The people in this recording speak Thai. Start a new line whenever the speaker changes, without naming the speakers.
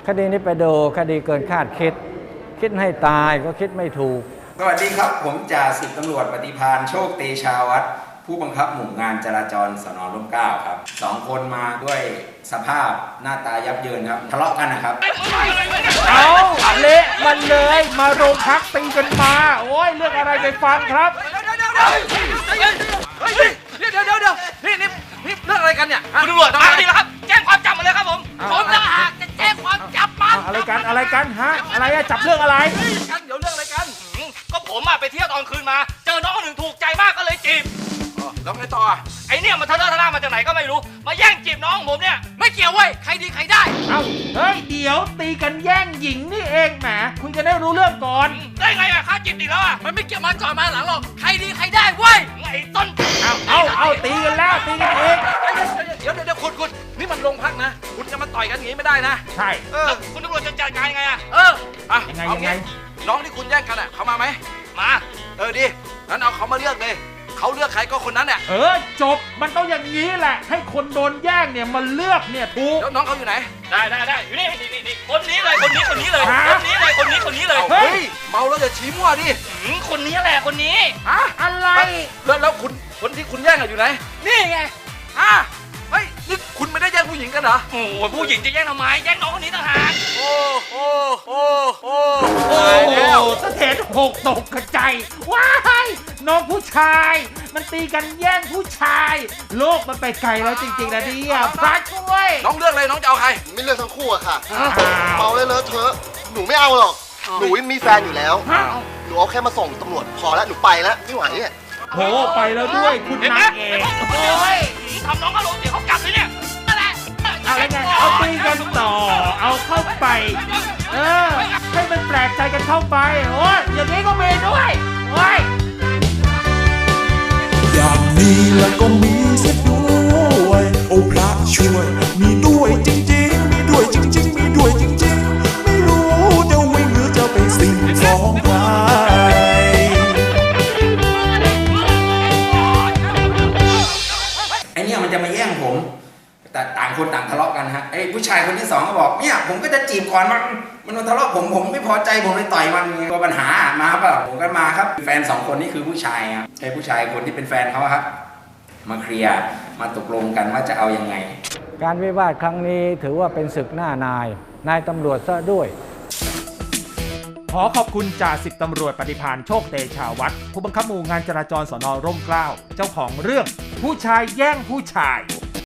คดีนี้ไปดูคดีเกินคาดคิดให้ตายก็คิดไม่ถูก
สวัสดีครับผมจ่าสิบตำรวจปฏิภาณโชคเตชาวัฒน์ผู้บังคับหมู่งานจราจรสน.ร่มเกล้าครับ2 คนมาด้วยสภาพหน้าตายับเยินครับทะเลาะกันนะครับ
เอาเละมันเลยมาโรงพักตีกันมาโอ้ยเรื่องอะไรไปฟังครับ
เดี๋ยวนี่เรื่องอะไรกันเนี่ย
คุณตำรวจมาดีแล้วครับแจ้งความจับมาเลยครับผมต่างหากจะแจ้งความจับมัน
อะไรกันฮะอะไรอะจับเรื่องอะไร
กันเดี๋ยวเรื่องอะไรกัน
ก็ผมไปเที่ยวตอนคืนมาเจอน้องคนหนึ่งถูกใจมากก็เลยจีบ
แล้วไงต่อ
ไอเนี่ยมันทะเลาะมาจากไหนก็ไม่รู้มาแย่งจีบน้องผมเนี่ยไม่เกี่ยวเว้ยใครดีใครได้
เฮ้ยเดี๋ยวตีกันแย่งหญิงนี่เองแหมคุณจะได้รู้เรื่องก่อน
ได้ไงอะข้าจีบติดแล้วอะ
มันไม่เกี่ยวมาก่อนมาหลังหรอกใครดีใครได้เว้ย
ไอ้ต้น
เอาตีกันแล้วตีกันเอง
เดี๋ยวคุณนี่มันโรงพักนะคุณจะมาต่อยกันอย่างนี้ไม่ได้นะ
ใช่
คุณตำรวจจะจัดการยังไงอะ
ยังไง
น้องที่คุณแย่งกันอะเขามาไหม
มา
ดิงั้นเอาเขามาเลือกเลยเขาเลือกใครก็คนนั้นเนี่ย
จบมันต้องอย่างนี้แหละให้คนโดนแย่งเนี่ยมันเลือกเนี่ยถูก
แล้วน้องเขาอยู่ไหน
ได้อยู่นี่คนนี้เลยคนนี้เลย
เฮ้ยเมาแล้วจะชี้มั่วดิ
คนนี้แหละคนนี้
อะไร
แล้วคนที่คุณแย่งอยู่ไหน
นี่ไง
เฮ้ยนี่คุณไม่ได้แย่งผู้หญิงกันเหรอ
โอ้ผู้หญิงจะแย่งทำไมแย่งน้องคนนี้ต่างหาก
โอ้
สะเทนหกตกกระจายว้ายน้องผู้ชายมันตีกันแย่งผู้ชายโลกมันไปไกลแล้วจริงๆนะเนี่ยพระช่วย
น้องเลือกเลยน้องจะเอาใคร
ไม่เลือกทั้งคู่อะค่ะเมาเลยเลอะเทอะหนูไม่เอาหรอกหนูมีแฟนอยู่แล้วหนูเอาแค่มาส่งตำรวจพอแล้วหนูไปแล้วไม่ไหวเนี่ย
โหไปแล้วด้วยคุณนางเอก
ทำน้องอารมณ์เสียเขากลับเลยเนี่ย
อะไรไงเอาตีกันต่อเอาเข้าไปให้มันแปลกใจกันเข้าไปโอ้ยอย่างนี้ก็มีด้วยโอ้ย
อย่างนี้แล้วก็มีเสียด้วยโอ้พระช่วยมีด้วยจริงๆมีด้วยจริงๆมีด้วยจริงๆไม่รู้จะวิ่งหรือจะไปสิ่งฟ้องใคร
ไอเนี่ยมันจะมาแย่งผมแต่ต่างคนต่างทะเลาะกันฮะไอ้ผู้ชายคนที่2ก็บอกเนี่ยผมก็จะจีบก่อนมันมาทะเลาะผมไม่พอใจผมเลยต่อยมันตัวปัญหามาเปล่าผมก็มาครับแฟน2 คนนี่คือผู้ชายครับไอ้ผู้ชายคนที่เป็นแฟนเขาครับมาเคลียร์มาตกลงกันว่าจะเอายังไง
การวิวาทครั้งนี้ถือว่าเป็นศึกหน้านายตำรวจซะด้วย
ขอขอบคุณจ่าสิบตำรวจปฏิภาณโชคเตชาวัฒน์ผู้บังคับหมู่งานจราจรสน.ร่มเกล้าเจ้าของเรื่องผู้ชายแย่งผู้ชาย